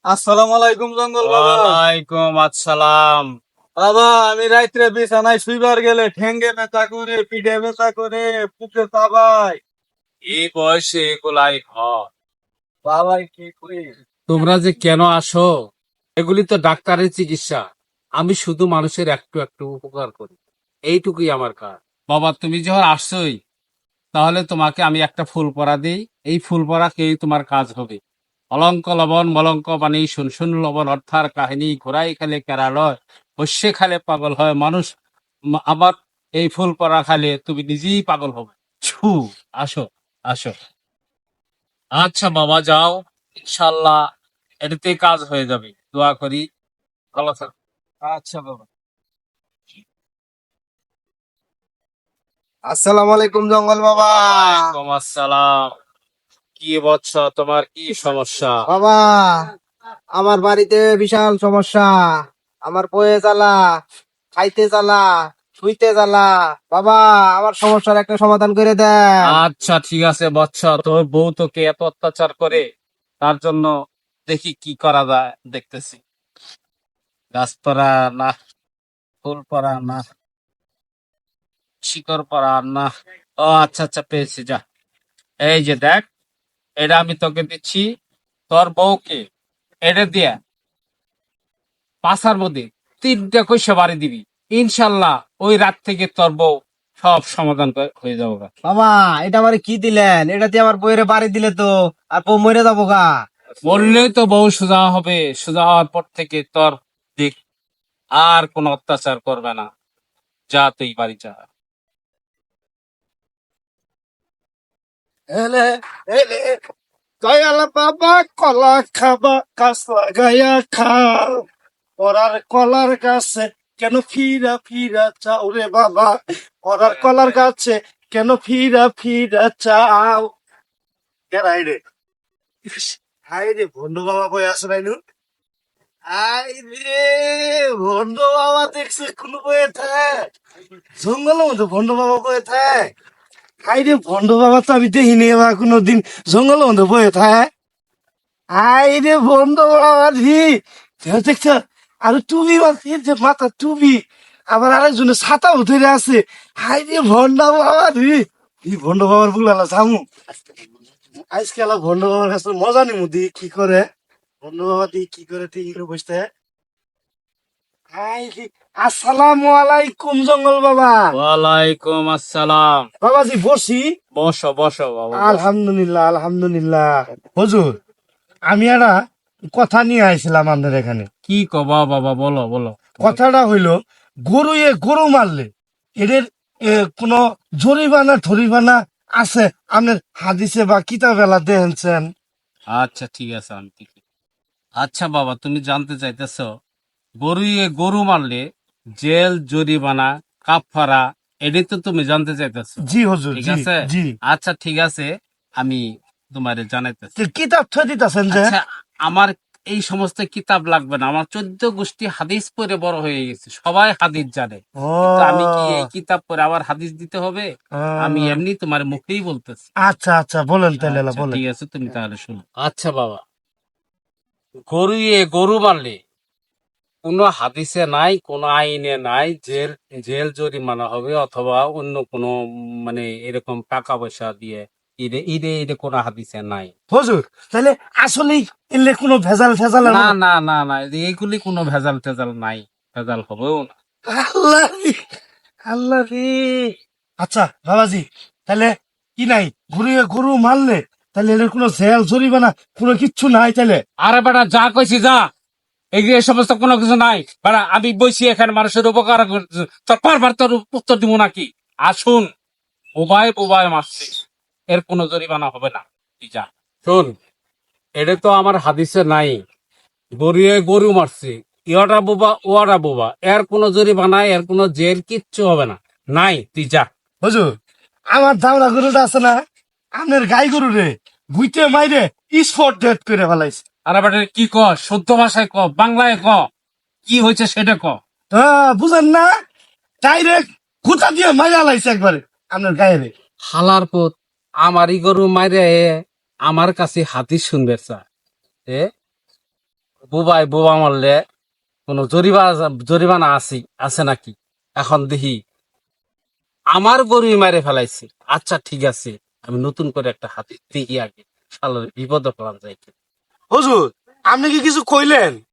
আসসালামু আলাইকুম জঙ্গল বাবা। ওয়ালাইকুম আসসালাম। বাবা, আমি রাত্রে বিছানায় শুইবার গেলে ঠেঙ্গে ব্যথা করে, পিঠে ব্যথা করে, বুকে চাবাই। এই বয়সে এগুলাই হয়। বাবাই কি করি? তোমরা যে কেন আসো, এগুলি তো ডাক্তারের চিকিৎসা। আমি শুধু মানুষের একটু একটু উপকার করি, এইটুকুই আমার কাজ। বাবা, তুমি যখন আসছোই, তাহলে তোমাকে আমি একটা ফুল পরা দিই। এই ফুল পরা খেয়ে তোমার কাজ হবে। অলঙ্ক লবণ মলঙ্ক বাণী শুন শুন লবণ অর্থার কাহিনী ঘোড়াই খেলে কেরালয়, বসে খালে পাগল হয় মানুষ। আমার এই ফুল পরা খালে তুমি নিজেই পাগল হবে। ছু, আসো, আসো। আচ্ছা বাবা, যাও, ইনশাল্লাহ এটাতে কাজ হয়ে যাবে, দোয়া করি। ভালো থাকো। আচ্ছা বাবা। আসসালামু আলাইকুম জঙ্গল বাবা। ওয়ালাইকুম আসসালাম। কি বৎস, তোমার কি সমস্যা? বাবা, আমার বাড়িতে বিশাল সমস্যা। আমার বয়ে জ্বালা, খাইতে জ্বালা, শুইতে জ্বালা। বাবা, আমার সমস্যার একটা সমাধান করে দেন। আচ্ছা ঠিক আছে বৎস, তোর বউ তোকে এত অত্যাচার করে, তার জন্য দেখি কি করা যায়, দেখতেছি। গাছ পড়া না, ফুল পড়া না, শিকড় পড়া না। ও আচ্ছা আচ্ছা, পেয়েছি, যা। এই যে দেখ, এটা আমি তোকে দিচ্ছি। তোর বউকে এটা দিয়া পাশার মধ্যে তিনটা কইসা বাড়ি দিবি। ইনশাল্লাহ ওই রাত থেকে তোর বউ সব সমাধান হয়ে যাবো গা। বাবা, এটা আমার কি দিলেন? এটা দিয়ে আমার বইয়ের বাড়ি দিলে তো আর বউ মরে যাবো গা। বললেই তো বউ সোজা হবে। সোজা হওয়ার পর থেকে তোর দিক আর কোনো অত্যাচার করবে না। যা, তুই বাড়ি যা। এলে এলে দয়াল বাবা, কলা খাবা গাছ লাগাইয়া খাও। ওরার কলার গাছে কেন ফিরা ফিরা চাও রে বাবা? ওরার কলার গাছে কেন ফিরা ফিরা চাও? কেরাই রে? হাই রে, ভন্ড বাবা কই আছে নাইনু? হাই রে, ভন্ড বাবা দেখছে কোন বয়ে থাক জঙ্গলের মধ্যে ভন্ড বাবা কয়ে থাক। হাই রে, ভন্ড বাবা তো আমি দেখিনি এবার কোনোদিন জঙ্গলের মধ্যে বয়ে থাক। হাই রে, ভন্ড বাবা রে, দেখছ? আর টুপি মারছে, যে মাথা টুপি, আবার আরেকজনের ছাতা ধরে আছে। হাই রে, ভন্ড বাবা রে, এই ভন্ড বাবার বুলালা জামু আজকাল। ভন্ড বাবার কাছে মজা নিমু দি কি করে, ভন্ড বাবা দি কি করে ঠিক করে বসতে। হাই রে, আসসালামু আলাইকুম জঙ্গল বাবা। ওয়ালাইকুম আসসালাম। বাবাজি বসি। বসো বসো বাবা, বসো। আলহামদুলিল্লাহ আলহামদুলিল্লাহ। হুজুর, আমি একটা কথা নিয়ে আইছিলাম আপনার এখানে। কি কবা বাবা, বলো বলো। কথাটা হইল, গরু গরু মারলে এদের কোনো জরিমানা ঠরিমানা আছে আপনার হাদিসে বা কিতাবেলা দেখেছেন? আচ্ছা ঠিক আছে, আমি ঠিক। আচ্ছা বাবা, তুমি জানতে চাইতেছো গরু গরু মারলে জেল জরিমানা কাফারা, এটাই তো তুমি জানতে চাইতেছো? জি হুজুর, ঠিক জি আছে। জি। আচ্ছা ঠিক আছে, আমি তোমারে জানাইতেছি। তো কিতাব থয়ে দিতেছেন যে? আচ্ছা, আমার এই সমস্ত কিতাব লাগবে না। আমার 14 গোষ্ঠী হাদিস পড়ে বড় হয়ে গেছে, সবাই হাদিস জানে। কিন্তু আমি কি ও, এই কিতাব পড়ে আবার হাদিস দিতে হবে? আমি এমনি তোমার মুখেই বলতেছি। আচ্ছা আচ্ছা, বলেন তাহলে আচ্ছা বলেন। ঠিক আছে, তুমি তাহলে শুনো। আচ্ছা বাবা, গরু গরু মারলে কোনো হাদিসে নাই, কোনো আইনে নাই জেল জেল জরিমানা হবে অথবা অন্য কোনো মানে এরকম টাকা পয়সা দিয়ে ঈদে ঈদে ঈদে কোনো হাদিসে নাই। হুজুর, তাহলে আসলেই এলে কোনো ভেজাল ফেজাল? না না না না, এইগুলি কোনো ভেজাল টেজাল নাই, ভেজাল হবেও না। আল্লাহ রে, আল্লাহ রে। আচ্ছা বাবাজি, তাহলে কি নাই, গরু গরু মারলে তাহলে এর কোনো জেল জরিমানা কোনো কিচ্ছু নাই তাহলে? আরে বেটা, যা কইছি যা, এই যে এই সমস্ত কোনো কিছু নাই। বেটা, আমি বইছি এখানে মানুষের উপকার করতেছি, তোর পারবার তোর উত্তর দিব নাকি? আসুন, বোবায় বোবায় মারছি, এর কোনো জরিমানা হবে না, তুই যা। শোন, এটা তো আমার হাদিসে নাই। গরুয়ে গরু মারছে, ইহাটা বোবা ওয়াটা বোবা, এর কোনো জরিমানা, এর কোনো জেল কিচ্ছু হবে না। নাই, তুই যা। হুজুর, আমার দামড়া গরুটা আছে না, আপনার গাই গরু রে বুইতে মাইরে স্পট ডেট করে ফেলাইছে। আরে বেটা, কি ক, শুদ্ধ ভাষায় ক, বাংলায় ক, কি হয়েছে সেটা ক। হ্যাঁ, বুঝেন না, ডাইরেক্ট খুঁটা দিয়ে মাইরা লাইছে একবারে আপনার গায়ে রে। হালার পুত, আমারই গরু মাইরে আমার কাছে হাতি শুনবে চা। এ বুবাই বোবা মারলে কোনো জরিমানা আছে নাকি? এখন দেখি আমার গরুই মারে ফেলাইছে। আচ্ছা ঠিক আছে, আমি নতুন করে একটা হাতি দেখি আগে, শালার বিপদে ফেলান যাই। হুজুর, আপনি কি কিছু কইলেন?